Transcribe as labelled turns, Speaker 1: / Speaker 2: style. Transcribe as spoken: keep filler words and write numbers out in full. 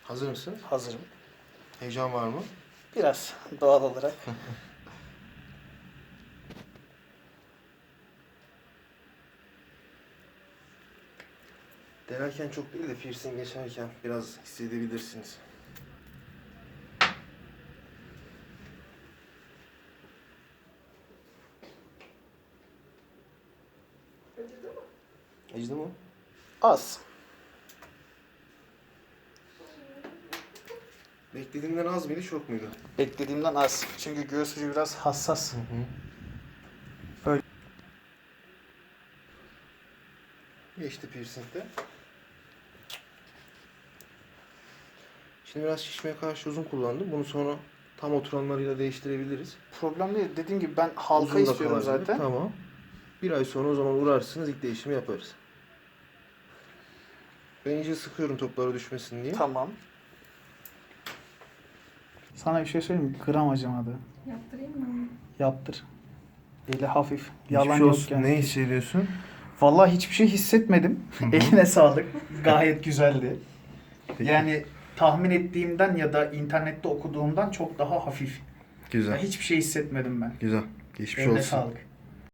Speaker 1: Hazır mısın?
Speaker 2: Hazırım.
Speaker 1: Heyecan var mı?
Speaker 2: Biraz doğal olarak.
Speaker 1: Denerken çok değil de piercing geçerken biraz hissedebilirsiniz.
Speaker 3: Acıdı mı?
Speaker 1: Acıdı mı?
Speaker 2: Az.
Speaker 1: Beklediğinden az mıydı, çok muydu?
Speaker 2: Beklediğimden az. Çünkü göğüs ucu biraz hassas.
Speaker 1: Hı hı.
Speaker 2: Böyle.
Speaker 1: Geçti piercing'de. Şimdi biraz şişmeye karşı uzun kullandım. Bunu sonra tam oturanlarıyla değiştirebiliriz.
Speaker 2: Problem değil. Dediğim gibi ben halka
Speaker 1: Uzun da
Speaker 2: istiyorum
Speaker 1: kalabilir.
Speaker 2: zaten.
Speaker 1: Tamam. Bir ay sonra o zaman uğrarsınız, ilk değişimi yaparız. Ben iyice sıkıyorum toplara düşmesin diye.
Speaker 2: Tamam. Sana bir şey söyleyeyim mi? Gram acımadı.
Speaker 3: Yaptırayım mı?
Speaker 2: Yaptır. Eli hafif. Yalan
Speaker 1: Geçmiş
Speaker 2: yok
Speaker 1: olsun.
Speaker 2: yani.
Speaker 1: Ne hissediyorsun?
Speaker 2: Vallahi hiçbir şey hissetmedim.
Speaker 1: Hı hı.
Speaker 2: Eline sağlık. Gayet güzeldi.
Speaker 1: Peki.
Speaker 2: Yani tahmin ettiğimden ya da internette okuduğumdan çok daha hafif.
Speaker 1: Güzel.
Speaker 2: Ya hiçbir şey hissetmedim ben.
Speaker 1: Güzel. Geçmiş
Speaker 2: Eline
Speaker 1: olsun.
Speaker 2: sağlık.